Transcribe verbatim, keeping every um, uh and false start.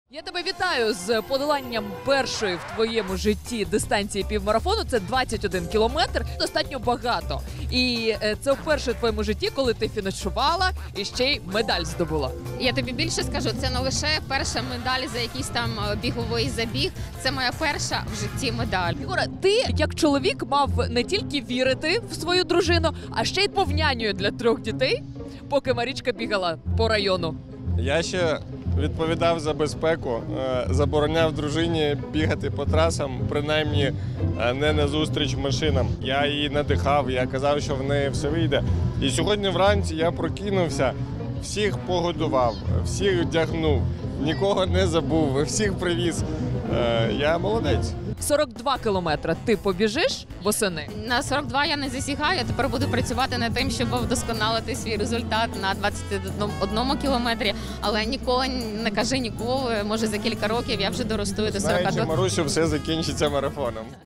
Я тебе вітаю з подоланням першої в твоєму житті дистанції півмарафону. Це двадцять один кілометр, достатньо багато. І е, це вперше в твоєму житті, коли ти фінішувала і ще й медаль здобула. Я тобі більше скажу, це не лише перша медаль за якийсь там біговий забіг, це моя перша в житті медаль. Ігоре, ти як чоловік мав не тільки вірити в свою дружину, а ще й був нянею для трьох дітей, поки Марічка бігала по району. Я ще відповідав за безпеку, е, забороняв дружині бігати по трасам, принаймні е, не назустріч машинам. Я її надихав, я казав, що в неї все вийде. І сьогодні вранці я прокинувся, всіх погодував, всіх вдягнув, нікого не забув, всіх привіз. Е, Я молодець. сорок два кілометри ти побіжиш восени? На сорок два я не засігаю, тепер буду працювати над тим, щоб вдосконалити свій результат на двадцять одному кілометрі, але ніколи не кажи ніколи, може за кілька років я вже доростую до сорока. Знаючи Марусю, все закінчиться марафоном.